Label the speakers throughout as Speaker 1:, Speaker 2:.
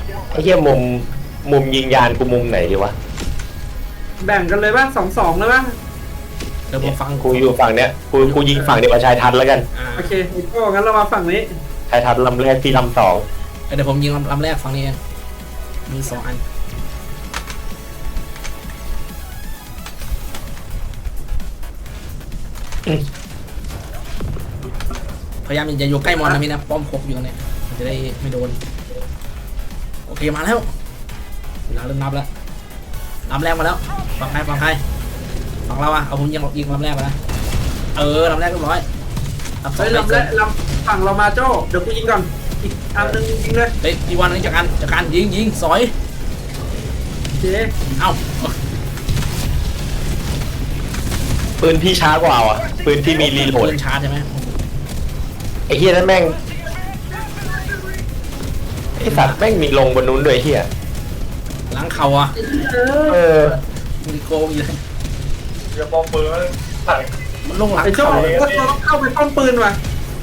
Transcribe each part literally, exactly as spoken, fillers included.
Speaker 1: ไอ้เหี้ยมุมมุมยิงยานกูมุมไหนดีวะ
Speaker 2: แบ่งกันเลยป่ะสองสองเลยป่ะ
Speaker 3: เดี๋ยวผมฟัง
Speaker 1: กูอยู่ฝั่งเนี้ยกูกูยิงฝั่งเดียวกับชายทันแล้วกัน
Speaker 2: โอเคก็งั้นเรามาฝั่งนี้
Speaker 1: ชายทันลำแรกที่ลำสอง
Speaker 3: เดี๋ยวผมยิงลำลำแรกฝั่งนี้เองมีสองอันพยายามอย่าอยู่ใกล้มอนนะพี่นะป้อมครบอยู่ตรงนี้จะได้ไม่โดนโอเคมาแล้วเวลาเริ่มนับแล้วลำแรกมาแล้วฝั่งใครฝั่งใครฝั่งเราอะเอาผมยิงยิงลำแรกมาแล้วเออลำแรกเรียบร้อยลำสอง
Speaker 2: ลำแรกลำฝั่งเรามาโจ้เดี๋ยวกูยิงก่อนอีกอันนึงยิงเลย
Speaker 3: เฮ้ยอีวันนี้จากการจากการยิงยิงสอย
Speaker 2: เจ๊
Speaker 3: เอ้า
Speaker 1: ปืนพี่ช้ากว่าอ่ะปืนที่มีรีโหลด
Speaker 3: ปืนช้าใช่ไหม
Speaker 1: ไอ้เหี้ยนั่นแม่งไอ้สัตว์แม่งมีลงบนนู้นด้วยเหี้ย
Speaker 3: ล้างเข่าอ่ะ
Speaker 1: เออ
Speaker 3: มีโกงอยู่เลย
Speaker 4: อย่าปองปืน
Speaker 3: มันลงหลัง
Speaker 2: เข่าเลยเราต้องเข้าไปป้อมปืนว่ะ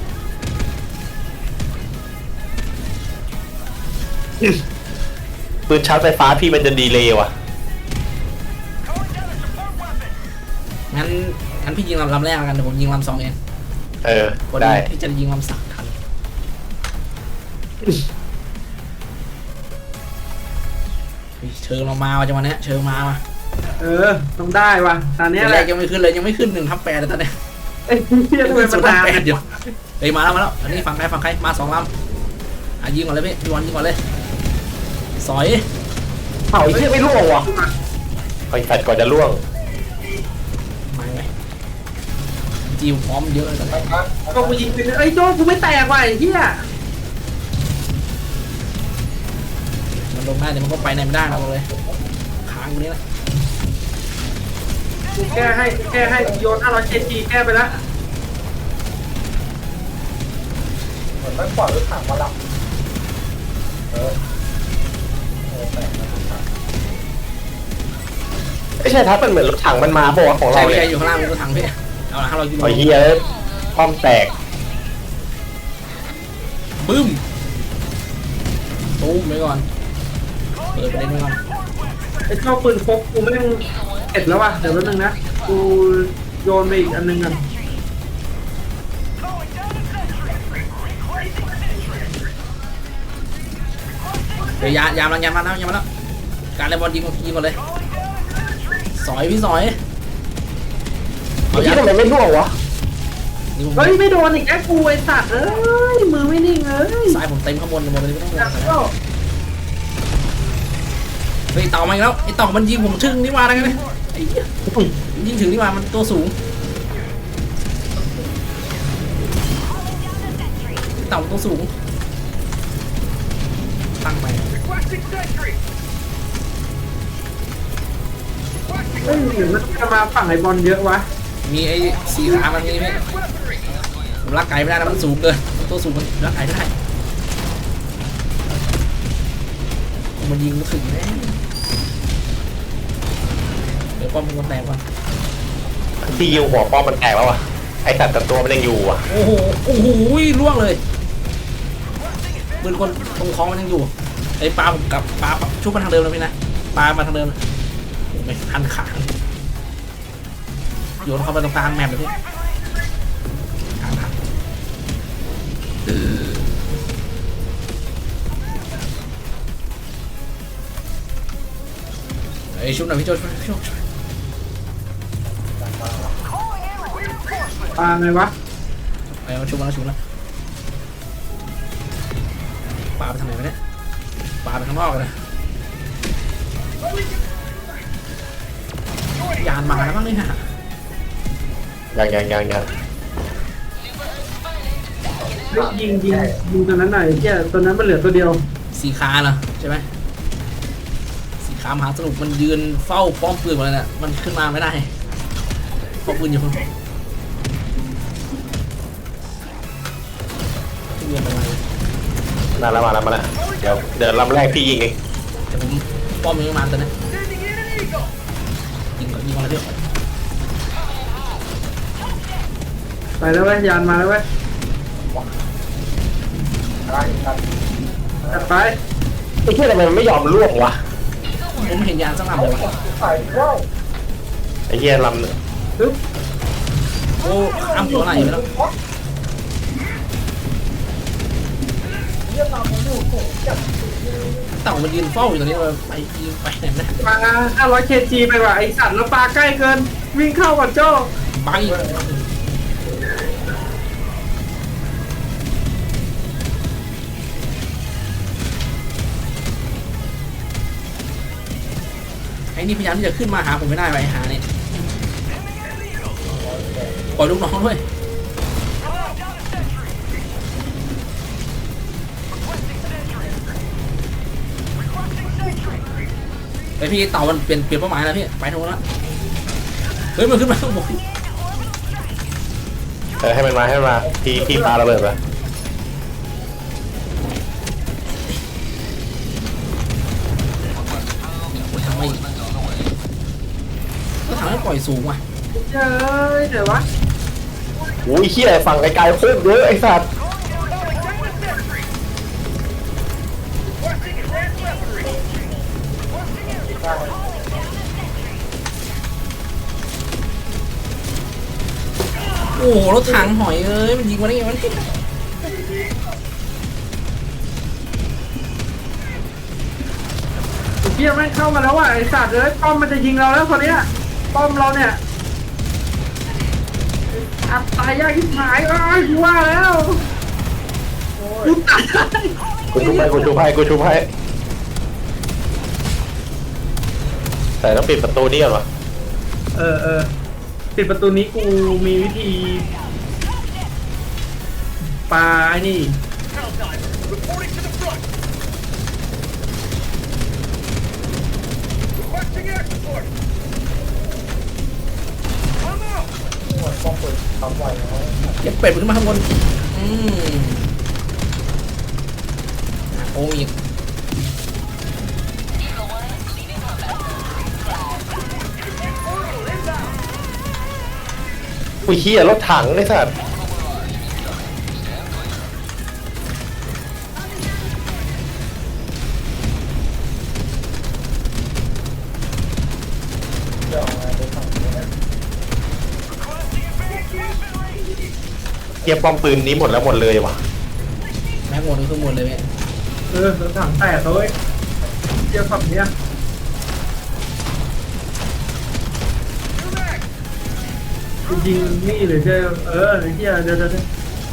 Speaker 1: ปืนชาร์จไฟฟ้าพี่มันจะดีเลยว่ะ
Speaker 3: งั้นงั้นพี่ยิงลำลำแรกกันเดี๋ยวผมยิงลำสองเอง
Speaker 1: เออได้
Speaker 3: พี่จะยิงลำสามทันเชิญเรามาว่ะจังหวะนี้เชิญมาว่ะ
Speaker 2: เออต้องได้ว่ะตอนนี้
Speaker 3: แรกยังไม่ขึ้นเลยยังไม่ขึ้นหนึ่งทับแปดเลยตอนนี้
Speaker 2: เอ้ยพี่จะเป็นประธาน
Speaker 3: เดี๋ยวเฮ้ยมาแล้วมาแล้วอันนี้ฝั่งใครฝั่งใครมาสองลำอ่ะยิงก่อนเลยพี่พี่วันยิงก่อนเลยสอย
Speaker 1: เผาไอ้เหี้ยไม่ล่วงว่ะไอ้สัตว์ก่อนจะล่วง
Speaker 3: ไม่ไหมจีมพร้อมเยอะเลยตอนนี้
Speaker 2: ก็กูยิงไปเลยไอ้โจ้กูไม่แตกว่ะไอ้เหี้ย
Speaker 3: มันลงได้เดี๋ยวมันก็ไปไหนไม่ได้เราเลยค้างตรงนี้แหละ
Speaker 2: กูแก้ให้แก้ให้โยนห้าร้อยเจจีแก้ไปแล้ว
Speaker 4: เหมือนมันปล่อยรถถังมาลับเออ
Speaker 1: ไม่ใช่ทับมันเหมือนรถถังมันมาพวกของเรา
Speaker 3: เลยใช่อยู่ข้างล่างรถถังพี่เอาละห้าร้อยกิโล
Speaker 1: ไอ้เหี้ยป้อมแตก
Speaker 3: บึ้มตู้มไว้ก่อนเปิดประเด็นไว้ก่อน
Speaker 2: ไอ้เจ้าปืนพกกูไม่ต้องเอ็ดแล้วว่ะเดี๋ยวแป๊บนึงนะกูโยนไปอีกอันนึงกัน
Speaker 3: เดี๋ยวยายามลังยามมาแล้วยามมาแล้วการเล่นบอลยิงยิงก่อนเลยสอยพี่สอย
Speaker 1: เอาที่ทำไมไม่ล่วงวะ
Speaker 2: เฮ้ยไม่โดนอีกแอคกูไอ้สัตว์เอ้ยมือไม่นิ่งเอ้ย
Speaker 3: สายผมเต็มข้างบนหมดเลยไม่ต้องห่วงเฮ้ยเต่ามาอีกแล้วไอ้เต่ามันยิงผมชึ่งนี่มาได้ไงเนี่ยไอ้ยิงถึงนี่มามันตัวสูงเต่าตัวสูงตั้งไป
Speaker 2: เฮ้ยหรือมันจะมาฝั่งไอ้บอลเยอะวะ
Speaker 3: มีไอ้สีขามันนี่ไหมผมรักไก่ไม่ได้นะมันสูงเกินตัวสูงมันรักไก่ไม่ได้มันยิงรู้สึกแน่เดี๋ยวป้อมมันแตกว่ะ
Speaker 1: ที่ยิงหัวป้อมมันแตกแล้ววะไอสัตว์แต่ตัวมันยังอยู่อ่ะ
Speaker 3: โอ้โหโอ้โหล่วงเลยปืนคนตรงคล้องมันยังอยู่ไอ้ปลาผมกับปลาชุบมาทางเดิมเลยพี่นะปลามาทางเดิมไม่ทันขาโยนเข้าไปตรงกลางแมปเลยพี่กลางทางไอ้ชุบหน่อยพี่โจช่วยช่วยช่วย
Speaker 2: ปลาไงวะ
Speaker 3: ไอ้ชุบมาแล้วชุบแล้วปลาไปทางไหนวะเนี่ยปลาไปข้างนอกเลยยานมาแล้วบ้างเลยฮะ
Speaker 1: ยังยังยังยัง
Speaker 2: ยิงยิงยิงตัวนั้นหน่อยแค่ตัวนั้นมันเหลือตัวเดียว
Speaker 3: สีขาเหรอใช่ไหมสีขามหาสนุกมันยืนเฝ้าป้อมปืนมาเลยน่ะมันขึ้นมาไม่ได้ป้อมปืนอยู่คนเรียนอะไร
Speaker 1: มาแล้วมาแล้วมาแล้วเดี๋ยวเดี๋ยวลำแรกพี่ยิงเอง
Speaker 3: เดี๋ยวผมป้อมยังมาตอนนี้ยิงก่อนยิงก่อนเลย
Speaker 2: ไปแล้วเว้ยยานมาแล้วเว้ยจัดไป
Speaker 1: ไอ้เหี้ยทำไมมันไม่ยอมล่วงวะ
Speaker 3: ผมเห็นยานสักลำเลยวะ
Speaker 4: ใส่ว่าว
Speaker 1: ไอ้เหี้ยลำเนี่ย
Speaker 2: ปึ๊บ
Speaker 3: โอ้อ้ำตัวไหนไปแล้ว
Speaker 4: เยี่ยมมันอยู่สูงจัด
Speaker 3: เต่ามันยืนเฝ้าอยู่ตรงนี้เลยไปยิงไปไหนนะ
Speaker 2: ปลาห้าร้อยเคจีไปว่ะไอสัตว์แล้วปลาใกล้เกิน วิ่งเข้าก่อนโจ้
Speaker 3: บังอีกไอ้นี่พยายามที่จะขึ้นมาหาผมไม่ได้ไปหาเนี่ยปล่อยลูกน้องด้วยไอพี่เต่ามันเปลี่ยนเปลี่ยนเป้าหมายแล้วพี่ไปทางนู้นละเฮ้ยมันขึ้นมาข้างบน
Speaker 1: เออให้มันมาให้มันมาพี่พี่ปาระเบิดไป
Speaker 3: ทำไมก็ทำให้ปล่อยสูงว่ะ
Speaker 2: เจ้ยเดี๋ยววะ
Speaker 1: โอ้ยเหี้ยฝั่งไกลๆโคตรเยอะไอ้สัตว์
Speaker 3: โอ้โหรถถังหอยเอ้ยมันยิงมาได้ไงวะเนี่ย
Speaker 2: ไอ้เหี้ยไม่งเข้ามาแล้วว่ะไอสัตว์เลยป้อมมันจะยิงเราแล้วคนเนี้ยป้อมเราเนี่ยอับตายยากที่หายเอ้ยกูว่าแล้วกูตาย
Speaker 1: กูชุบให้กูชุบให้กูชุบให้แต่ต้องปิดประตูนี่ก่อนวะ
Speaker 2: เออเออปิดประตูนี้กูมีวิธีปาไอ้นี่
Speaker 4: หมดป้องปืนทำไหวแล้ว
Speaker 3: เก็บเป็ดมันขึ้นมาข้างบนอืมอ่ะโอ้อีก
Speaker 1: อุ้ยเหี้ยรถถังไอ้สัตว์
Speaker 4: เดี๋ยวมาดูฝั่งนี้นะ
Speaker 1: เหี้ยป้อมปืนนี้หมดแล้วหมดเลยว่ะ
Speaker 3: แม็กหมดคือหมดเลยเนี่ย
Speaker 2: เออรถถังแตกเลย เจียวฝั่งเนี้ยกูยิงนี่หรือจะเออไอ้เหี้ยเดี๋ยวเดี๋ยวเดี๋ยว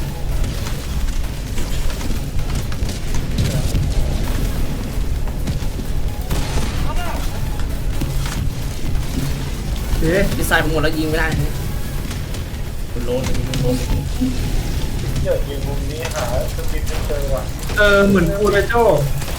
Speaker 2: เอ๊ะ
Speaker 3: ดีไซน์ผมหมดแล้วยิงไม่ได้เนี่ยคุณโลนคุณโลน
Speaker 4: เดี๋ยวยิงมุมนี้หาสปินเจอว่ะ
Speaker 2: เออเหมือนกูเลยโจ้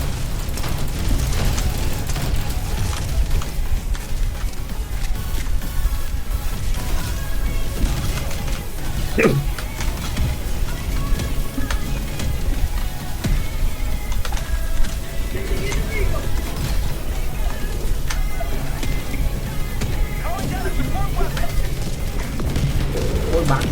Speaker 3: โอ้ยบัง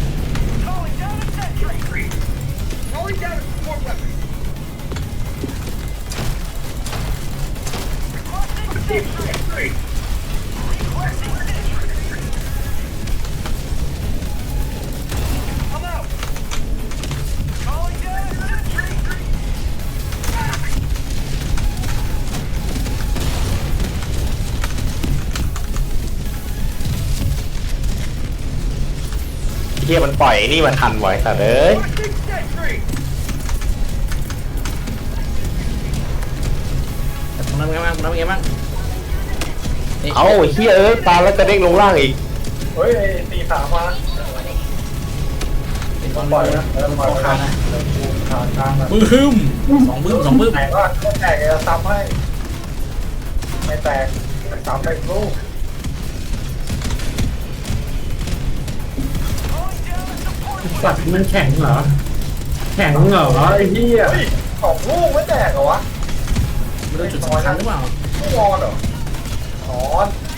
Speaker 1: เหี้ยมันปล่อยไอ้นี่มาทันไว้สัตว์เอ้ย
Speaker 3: แต่ตรงนั้นเป็นไงบ้างตรงนั้นเป็นไงบ้างะ
Speaker 1: เอาไอ้เหี้ยเอ้ยตามแล้วจะเด้งลงล่างอีก
Speaker 4: เฮ้ยตีขามา
Speaker 3: เป็นต
Speaker 4: ต้
Speaker 3: อ
Speaker 4: อน งปล่อยนะ
Speaker 3: เริ่
Speaker 4: เริ่
Speaker 3: ม
Speaker 4: ม
Speaker 3: ป
Speaker 4: ป
Speaker 3: ล่
Speaker 4: ล่
Speaker 3: อ
Speaker 4: อย ย
Speaker 3: ขา
Speaker 4: นะ
Speaker 3: นะ
Speaker 4: เริ่มปูขากลางนะ
Speaker 3: บึ้มสองบึ้มสองบึ้ม
Speaker 4: แตกว่าถ้าแตกจะซ้ำให้ไม่แตกซ้ำไปลูก
Speaker 2: สัตว์มันแข็งเหรอ แข็งเหรอไอ้เหี้ย
Speaker 4: เฮ้ยสองลูกไม่แตกเหรอวะ
Speaker 3: ไม่รู้จุดสำคัญหรือเปล่า
Speaker 4: ไม่นอนเหรอนอน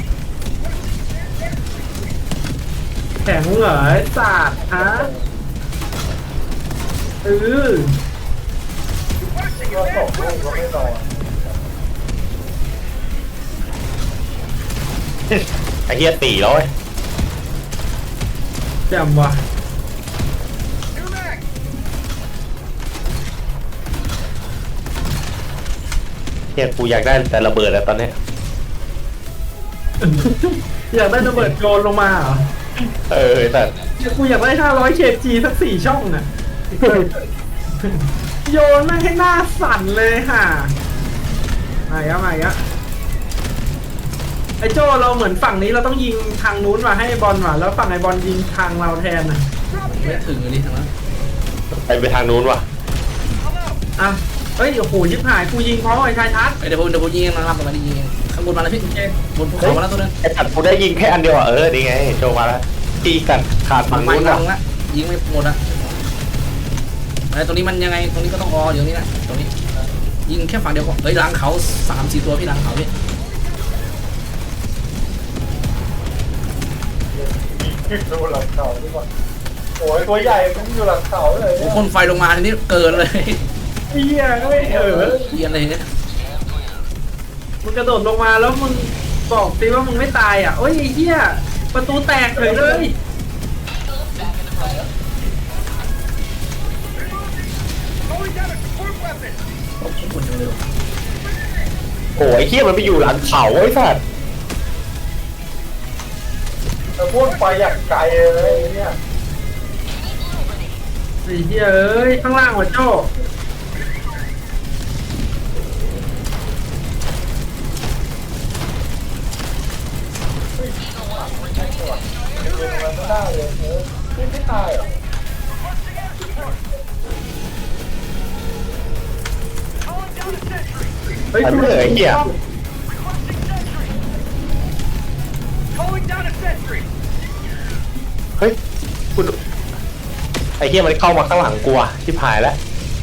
Speaker 2: แข็งเหรอไอ้สัตว์ฮะเออ
Speaker 4: ก็ส่งลูกก็ไม่นอน
Speaker 1: ไอ้เหี้ยตีแล้วเว้ย
Speaker 2: แจ่มว่ะ
Speaker 1: เหี้ยกูอยากได้แต่ระเบิดแล้วตอนเนี้ย
Speaker 2: อยากได้ระเบิดโยนลงมาเหรอ
Speaker 1: เออแต่
Speaker 2: กูอยากได้ห้าร้อยเคจีสักสี่ช่องน่ะโยนไม่ให้หน้าสั่นเลยค่ะมาอีกแล้วมาอีกแล้วไอ้โจ้เราเหมือนฝั่งนี้เราต้องยิงทางนู้นมาให้บอลว่ะแล้วฝั่งไอ้บอลยิงทางเราแทนน่ะ
Speaker 3: ไม่ถึงเลยนี่ทางนั้น
Speaker 1: ไปไปทางนู้นว่ะ
Speaker 2: อ่ะเฮ้ยโอ้โหยิบหายกูยิงเพราะไอ้ชายทัศน์
Speaker 3: เดี๋ยวผมเดี๋ยวผมยิงมันรับกันมาดิยิงข้างบนมาแล้วพี่บนภูเขามาแล้วตัวนึง
Speaker 1: ไอ้สัตว์กูได้ยิงแค่อันเดียวอ่ะเออนี่ไงโชว์มาแล้วตีกันขาด
Speaker 3: ฝั่
Speaker 1: ฝั่
Speaker 3: ง
Speaker 1: ง
Speaker 3: ไม้
Speaker 1: นู้น
Speaker 3: ล
Speaker 1: อ่ะ
Speaker 3: งละยิงไม่หมดอะไอ้ตรงนี้มันยังไงตรงนี้ก็ต้องออเดี๋ยวนี้นะตรงนี้ยิงแค่ฝั่งเดียวก็เฮ้ยหลังเขาสามสี่ตัวพี่หลังเขาพี่
Speaker 4: ดูหลังเขาดีกว่าโอ้ยตัวใหญ่มันอยู่หลังเขาเลย
Speaker 3: โอ้
Speaker 4: เนี่ย
Speaker 3: พ่นไฟลงมาทีนี้เกินเลย
Speaker 2: เฮียก็ไม่เออ
Speaker 3: เยียนเลยเนี่ย
Speaker 2: มึงกระโดดลงมาแล้วมึงบอกสิว่ามึงไม่ตายอ่ะโอ้ยไอ้เฮียประตูแตกเลยเลย
Speaker 3: โอ้โหคนจังเลยว่ะ
Speaker 1: โอ้ยไอ้เหี้ยมันไปอยู่หลังเขาไอ้สัตว์
Speaker 4: แต่พูดไปอย่างไกลเลยเนี่ย
Speaker 2: ไอ้เฮียเอ้ยข้างล่างว่ะโจ้
Speaker 4: ยิงมันไม่ได้เลยเออไม่ไม่ตายหรอ
Speaker 2: เฮ้ย
Speaker 1: มัน
Speaker 2: กู
Speaker 1: ไม่เลยไอ้เหี้ยเฮ้ยกูไอ้เหี้ยมันเข้ามาข้างหลังกูอ่ะชิบหายแล้ว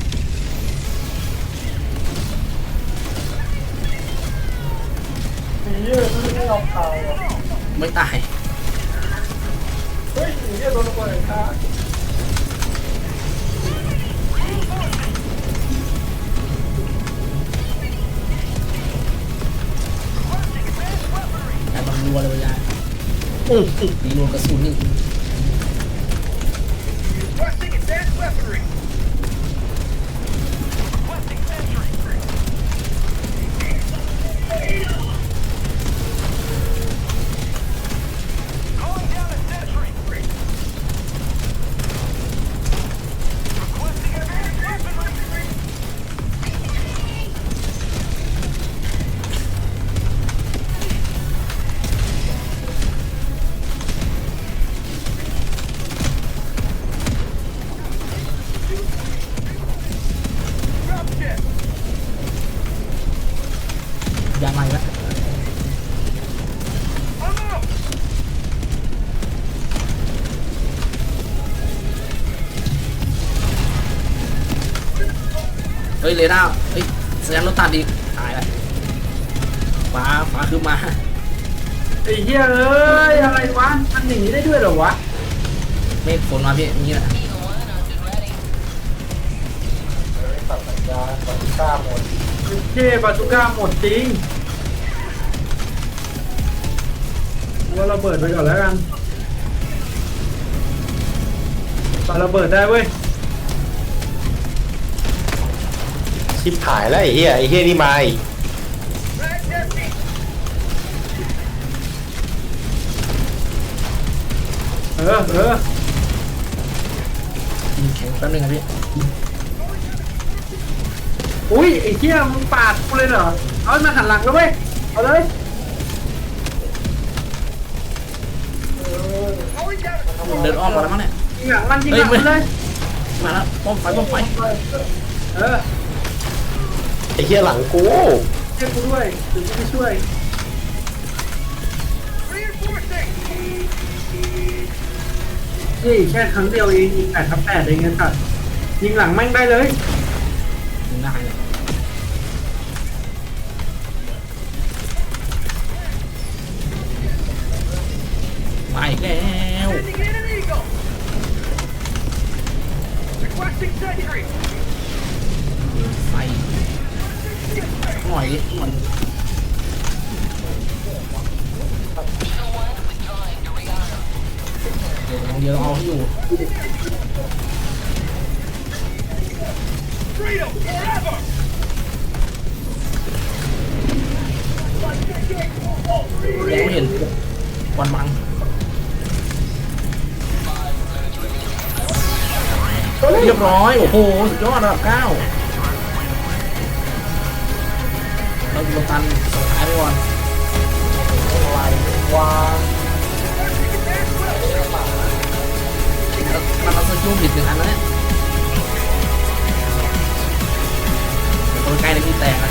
Speaker 4: ผีเยอะไม่ยอมตายหรอ
Speaker 3: ไม่ตาย
Speaker 4: เฮ้ยผีเยอะโดนระเบิดค่ะ
Speaker 3: แต่มันรัวเลยเวลา
Speaker 2: อื้อ
Speaker 3: ตีรัวกระสุนนี่ ยาใหม่ละเฮ้ยเรด้าเฮ้ยสัญญาณรถตัดอีกตายละฟ้าฟ้าคือมา
Speaker 2: ไอ้เฮียเอ้ยอะไรวะมันอย่างนี้ได้ด้วยเหรอวะ
Speaker 3: เมฆฝนมาพี่อย่างนี้แหละ
Speaker 4: ตัดสัญญาณตัดกล้าหมด
Speaker 2: เท่บาซูก้าหมดจริงว่าระเบิดไปก่อนแล้วกันปาระเบิดได้เว้ย
Speaker 1: ชิบหายแล้วไอ้เหี้ยไอ้เหี้ยนี่มาอีก
Speaker 2: เออเออ
Speaker 3: ยิงแข็งแป๊บนึงครับพี่
Speaker 2: อุ้ยไอ้เหี้ยมึงปาดกูเลยเหรอเอามาหันหลังแล้วเว้ยเอาเลย
Speaker 3: เดินอ้อมมาแล้วมั้งเนี่ย
Speaker 2: ยิงหลังมันยิงหลังมันเลย
Speaker 3: มาแล้วป้อมไฟป้อมไฟ
Speaker 2: เออ
Speaker 1: ไอ้เหี้ยหลังกู
Speaker 2: ช่วยกูด้วยถึงจะไปช่วยนี่แค่ครั้งเดียวเองยิงแปดทับแปดเองไงสัตว์ยิงหลังแม่งได้เลย
Speaker 3: ยิงได้เลยมาอีกแล้วไฟมองไม่เห็นควันบังเรียบร้อยโอ้โหสุดยอดระดับเก้าเราดูตันสุดท้ายไปก่อน
Speaker 4: อะไรวะ
Speaker 3: มันเราต้องยุ่งผิดหนึ่งอันแล้วเนี่ยเดี๋ยวตัวใกล้เลยพี่แตกนะ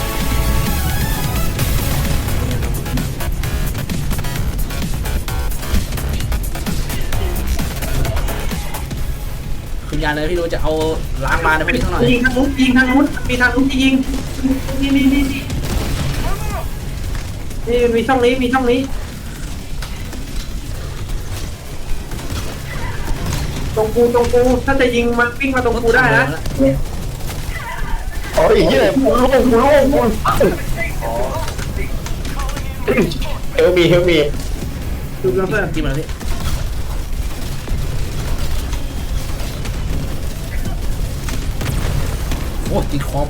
Speaker 3: คุณยายเลยพี่ดูจะเอาล้างมาในพวกนี้เท่าไหร่
Speaker 2: ยิงทางนู้นยิงทางนู้นมีทางนู้นที่ยิงนี่นี่นี่นี่นี่มีช่องนี้มีช่องนี้ตรงกูตรงกูถ้าจะยิงมันวิ่งมาตรงกูได้นะ
Speaker 1: โอ้ยเหี้ยกูโล่งกูโล่งกูเฮลมีเฮลมี
Speaker 2: ดูแล้วเพื่อน
Speaker 3: จิ้มมาแล้วพี่โอ้ติดคอม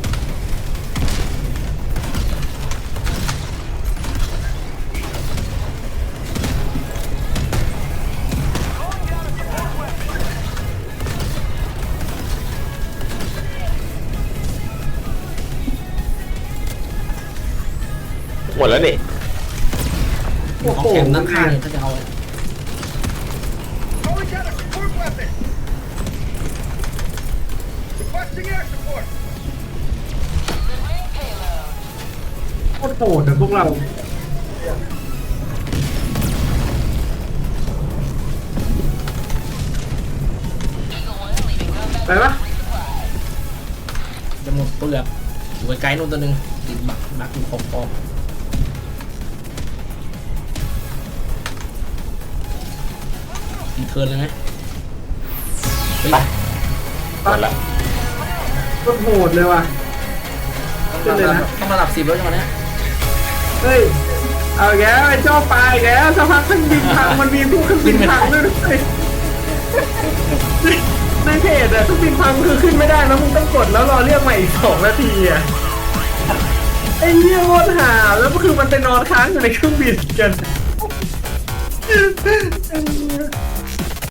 Speaker 1: หมดแล้วนี่
Speaker 2: โอ้
Speaker 3: ของ
Speaker 2: โห
Speaker 3: แข็งด้านข้างเนี่ยถ้าจะเอา
Speaker 5: Calling down a support weapon! Requesting air support!
Speaker 2: โคตรโหดอะพวกเราไปปะ
Speaker 3: จะหมดเปลือกอยู่ไกลๆนู่นตัวหนึ่งติดบักบักอยู่ขอบขอบตีเทิร์นเลยไหมเฮ้ย
Speaker 1: หมดละ
Speaker 2: โคตรโหดเลยว่ะ
Speaker 3: ต้องระดับต้องระดับสิบแล้วจังหวะเนี้ย
Speaker 2: เฮ้ยเอาแกแล้วไอ้เจ้าปลายแกแล้วสักพักเครื่องบินพังมันมีผู้เครื่องบินพังด้วยด้วยในเพจอะเครื่องบินพังคือขึ้นไม่ได้แล้วมึงต้องกดแล้วรอเรียกใหม่อีกสองนาทีอะไอ้เหี้ยโคตรหาแล้วก็คือมันไปนอนค้างอยู่ในเครื่องบินกัน